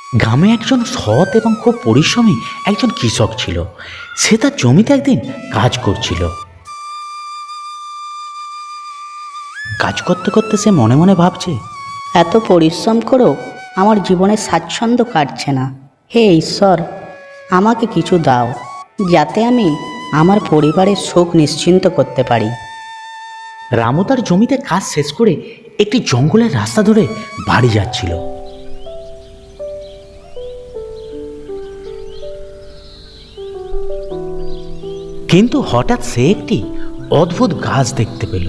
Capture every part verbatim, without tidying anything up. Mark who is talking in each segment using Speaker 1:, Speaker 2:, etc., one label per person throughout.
Speaker 1: গ্রামে একজন সৎ এবং খুব পরিশ্রমী একজন কৃষক ছিল। সে তার জমিতে একদিন কাজ করছিল। কাজ করতে করতে সে মনে মনে ভাবছে,
Speaker 2: এত পরিশ্রম করেও আমার জীবনে স্বাচ্ছন্দ্য কাটছে না। হে ঈশ্বর, আমাকে কিছু দাও যাতে আমি আমার পরিবারের সুখ নিশ্চিন্ত করতে পারি।
Speaker 1: রামু তার জমিতে কাজ শেষ করে একটি জঙ্গলের রাস্তা ধরে বাড়ি যাচ্ছিল। কিন্তু হঠাৎ সে একটি অদ্ভুত গাছ দেখতে পেল।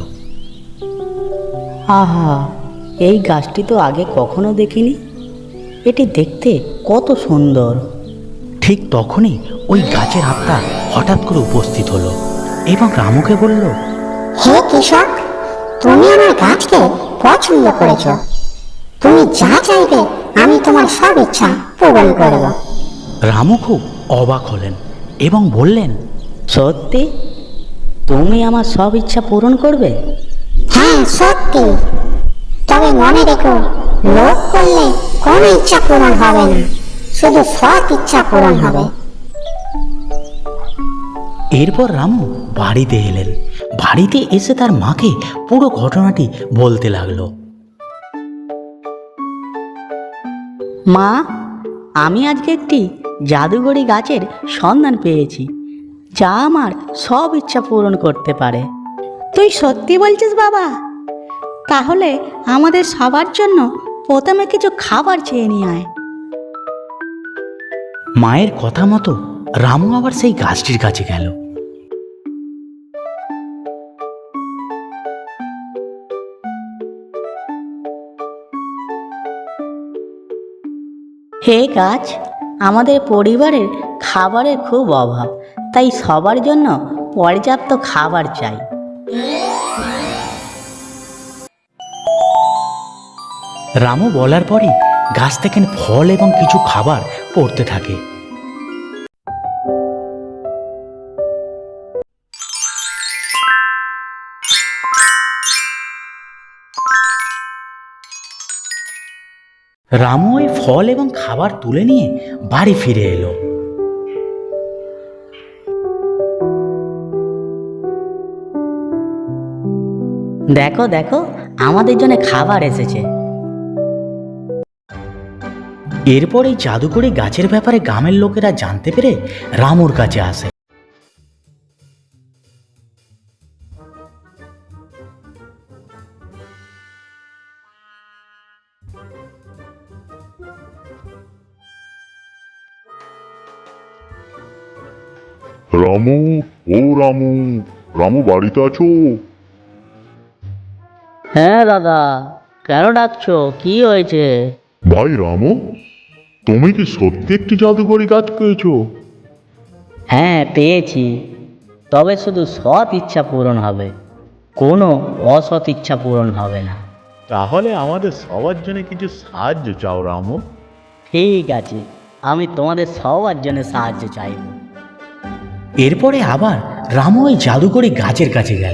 Speaker 2: আহা, এই গাছটি তো আগে কখনো দেখিনি। এটি দেখতে কত সুন্দর।
Speaker 1: ঠিক তখনই ওই গাছের আত্মা হঠাৎ করে উপস্থিত হলো এবং রামুকে বলল,
Speaker 3: হে কৃষক, তুমি আমার গাছকে পছন্দ করেছ। তুমি যা চাইবে আমি তোমার সব ইচ্ছা পূরণ করব।
Speaker 1: রামু খুব অবাক হলেন এবং বললেন,
Speaker 2: সত্যি তুমি আমার সব ইচ্ছা পূরণ করবে?
Speaker 3: হ্যাঁ সত্যি, তবে মনে রেখো, লোভ করলে কোনো ইচ্ছা পূরণ হবে না, শুধু সৎ ইচ্ছা পূরণ হবে।
Speaker 1: এরপর রামু বাড়িতে এলেন। বাড়িতে এসে তার মাকে পুরো ঘটনাটি বলতে লাগলো।
Speaker 2: মা, আমি আজকে একটি জাদুঘরি গাছের সন্ধান পেয়েছি যা আমার সব ইচ্ছা পূরণ করতে পারে। তুই সত্যি বলছিস বাবা? তাহলে আমাদের সবার জন্য প্রথমে কিছু খাবার চেয়ে নিয়ে আয়।
Speaker 1: মায়ের কথা মতো রামু আবার সেই গাছটির কাছে গেল।
Speaker 2: হে গাছ, আমাদের পরিবারের খাবারের খুব অভাব, তাই সবার জন্য পর্যাপ্ত খাবার চাই।
Speaker 1: রামু বলার পরই গাছ থেকে ফল এবং কিছু খাবার পড়তে থাকে। রামু ওই ফল এবং খাবার তুলে নিয়ে বাড়ি ফিরে এলো।
Speaker 2: দেখো দেখো, আমাদের জন্য খাবার এসেছে।
Speaker 1: এরপর এই জাদুকরি গাছের ব্যাপারে গ্রামের লোকেরা জানতে পেরে রামুর কাছে আসে।
Speaker 4: রামু, ও রামু, রামু বাড়িতে আছো?
Speaker 2: হ্যাঁ দাদা, কেন ডাকছো? কি হয়েছে?
Speaker 4: ভাই রামু, তুমি কি সত্যি একটি জাদুকরি গাছ পেয়েছো?
Speaker 2: হ্যাঁ পেয়েছি, তবে শুধু সৎ ইচ্ছা পূরণ হবে, কোনো অসৎ ইচ্ছা পূরণ হবে না।
Speaker 4: তাহলে আমাদের সবার জন্য কিছু সাহায্য চাও রামু।
Speaker 2: ঠিক আছে, আমি তোমাদের সবার জন্য সাহায্য চাইব।
Speaker 1: এরপরে আবার রামু ওই জাদুকরি গাছের কাছে গেল।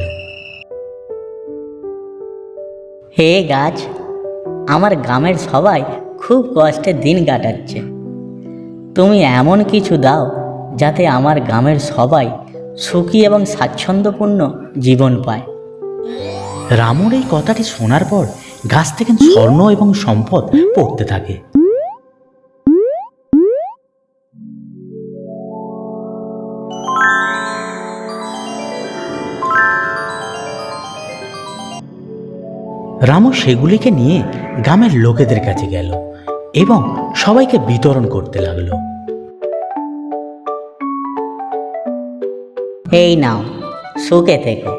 Speaker 2: হে গাছ, আমার গ্রামের সবাই খুব কষ্টে দিন কাটাচ্ছে। তুমি এমন কিছু দাও যাতে আমার গ্রামের সবাই সুখী এবং স্বাচ্ছন্দ্যপূর্ণ জীবন পায়।
Speaker 1: রামুর এই কথাটি শোনার পর গাছ থেকে স্বর্ণ এবং সম্পদ পড়তে থাকে। রামু সেগুলিকে নিয়ে গ্রামের লোকেদের কাছে গেল এবং সবাইকে বিতরণ করতে লাগলো।
Speaker 2: এই নাও, সুখে থেকো।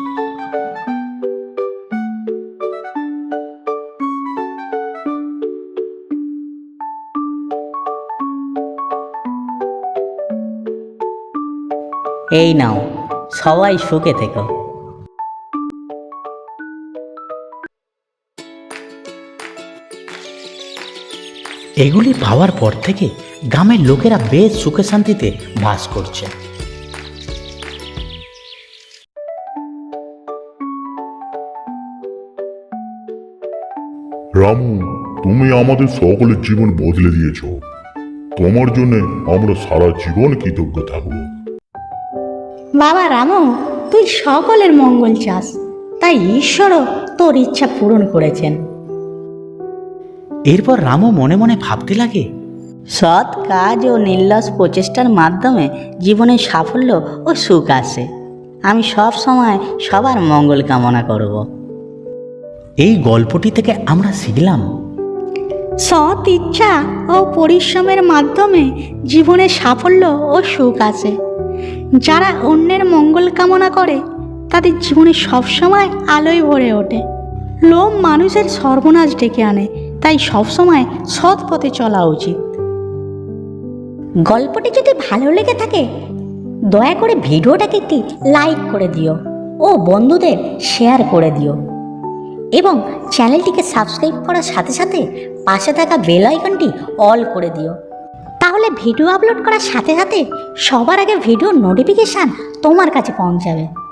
Speaker 2: এই নাও, সবাই সুখে থেকো।
Speaker 1: এগুলি পাওয়ার পর থেকে গ্রামের লোকেরা বেশ সুখে শান্তিতে বাস করছে।
Speaker 4: রামু, তুমি আমাদের সকলের জীবন বদলে দিয়েছ। তোমার জন্য আমরা সারা জীবন কৃতজ্ঞ থাকব।
Speaker 2: বাবা রামু, তুই সকলের মঙ্গল চাস, তাই ঈশ্বরও তোর ইচ্ছা পূরণ করেছেন।
Speaker 1: এরপর রামু মনে মনে ভাবতে লাগে,
Speaker 2: সৎ কাজ ও নির্লস প্রচেষ্টার মাধ্যমে জীবনে সাফল্য ও সুখ আসে। আমি সব সময় সবার মঙ্গল কামনা করব।
Speaker 1: এই গল্পটি থেকে আমরা শিখলাম,
Speaker 2: সৎ ইচ্ছা ও পরিশ্রমের মাধ্যমে জীবনে সাফল্য ও সুখ আসে। যারা অন্যের মঙ্গল কামনা করে তাদের জীবনে সবসময় আলোয় ভরে ওঠে। লোভ মানুষের সর্বনাশ ডেকে আনে, তাই সবসময় সৎ পথে চলা উচিত। গল্পটি যদি ভালো লেগে থাকে দয়া করে ভিডিওটাকে একটি লাইক করে দিও ও বন্ধুদের শেয়ার করে দিও এবং চ্যানেলটিকে সাবস্ক্রাইব করার সাথে সাথে পাশে থাকা বেল আইকনটি অল করে দিও। তাহলে ভিডিও আপলোড করার সাথে সাথে সবার আগে ভিডিও নোটিফিকেশান তোমার কাছে পৌঁছাবে।